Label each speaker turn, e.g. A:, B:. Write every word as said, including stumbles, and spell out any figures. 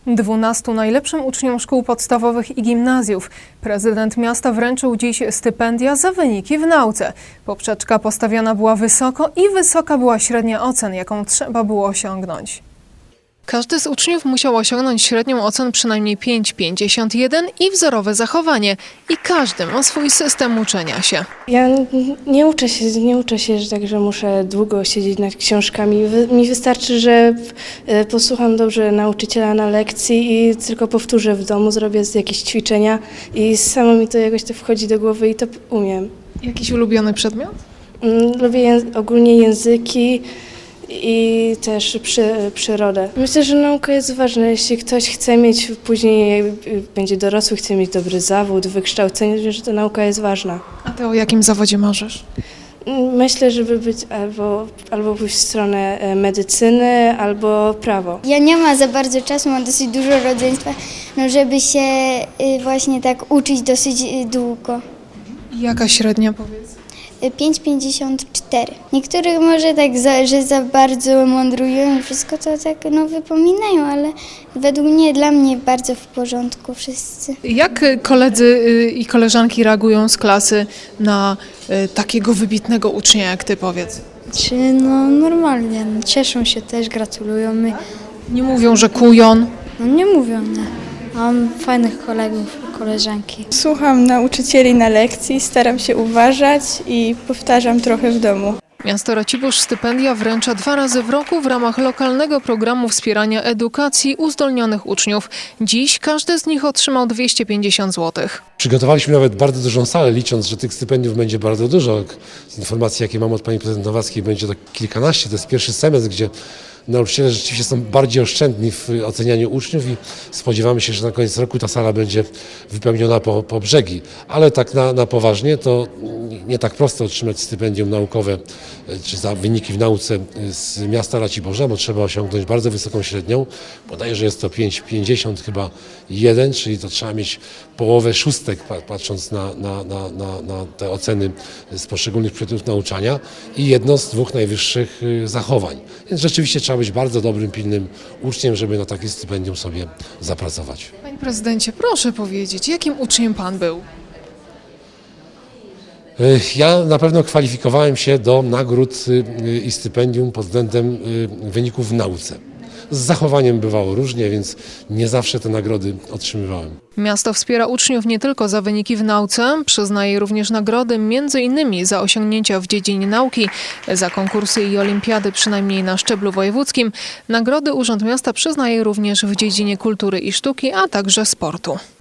A: Dwunastu najlepszym uczniom szkół podstawowych i gimnazjów prezydent miasta wręczył dziś stypendia za wyniki w nauce. Poprzeczka postawiona była wysoko i wysoka była średnia ocen, jaką trzeba było osiągnąć. Każdy z uczniów musiał osiągnąć średnią ocen przynajmniej pięć przecinek pięćdziesiąt jeden i wzorowe zachowanie. I każdy ma swój system uczenia się.
B: Ja nie uczę się, nie uczę się że tak, że muszę długo siedzieć nad książkami. Mi wystarczy, że posłucham dobrze nauczyciela na lekcji i tylko powtórzę w domu, zrobię jakieś ćwiczenia i samo mi to jakoś to wchodzi do głowy i to umiem.
A: Jakiś ulubiony przedmiot?
B: Lubię języ- ogólnie języki i też przy, przyrodę. Myślę, że nauka jest ważna. Jeśli ktoś chce mieć później, będzie dorosły, chce mieć dobry zawód, wykształcenie, że ta nauka jest ważna.
A: A ty o jakim zawodzie marzysz?
B: Myślę, żeby być albo, albo pójść w stronę medycyny, albo prawo.
C: Ja nie mam za bardzo czasu, mam dosyć dużo rodzeństwa, no żeby się y, właśnie tak uczyć dosyć y, długo.
A: Jaka średnia, powiedz?
C: pięć przecinek pięćdziesiąt cztery. Niektórych może tak, za, że za bardzo mądrują i wszystko to tak no, wypominają, ale według mnie, dla mnie bardzo w porządku wszyscy.
A: Jak koledzy y, i koleżanki reagują z klasy na y, takiego wybitnego ucznia jak ty, powiedz?
D: Czy no normalnie, no, cieszą się też, gratulują mi.
A: Nie mówią, że kujon?
D: No nie mówią, nie. Mam fajnych kolegów, koleżanki.
E: Słucham nauczycieli na lekcji, staram się uważać i powtarzam trochę w domu.
A: Miasto Racibórz stypendia wręcza dwa razy w roku w ramach lokalnego programu wspierania edukacji uzdolnionych uczniów. Dziś każdy z nich otrzymał dwieście pięćdziesiąt złotych.
F: Przygotowaliśmy nawet bardzo dużą salę, licząc, że tych stypendiów będzie bardzo dużo. Z informacji, jakie mam od pani prezydent Nowackiej, będzie to kilkanaście. To jest pierwszy semestr, gdzie nauczyciele rzeczywiście są bardziej oszczędni w ocenianiu uczniów i spodziewamy się, że na koniec roku ta sala będzie wypełniona po, po brzegi. Ale tak na, na poważnie to nie tak prosto otrzymać stypendium naukowe czy za wyniki w nauce z miasta Raciborza, bo trzeba osiągnąć bardzo wysoką średnią. Podaję, że jest to pięć przecinek pięćdziesiąt chyba jeden, czyli to trzeba mieć połowę szóstek, patrząc na, na, na, na, na te oceny z poszczególnych przedmiotów nauczania i jedno z dwóch najwyższych zachowań. Więc rzeczywiście trzeba być bardzo dobrym, pilnym uczniem, żeby na takie stypendium sobie zapracować.
A: Panie prezydencie, proszę powiedzieć, jakim uczniem pan był?
F: Ja na pewno kwalifikowałem się do nagród i stypendium pod względem wyników w nauce. Z zachowaniem bywało różnie, więc nie zawsze te nagrody otrzymywałem.
A: Miasto wspiera uczniów nie tylko za wyniki w nauce, przyznaje również nagrody między innymi za osiągnięcia w dziedzinie nauki, za konkursy i olimpiady przynajmniej na szczeblu wojewódzkim. Nagrody Urząd Miasta przyznaje również w dziedzinie kultury i sztuki, a także sportu.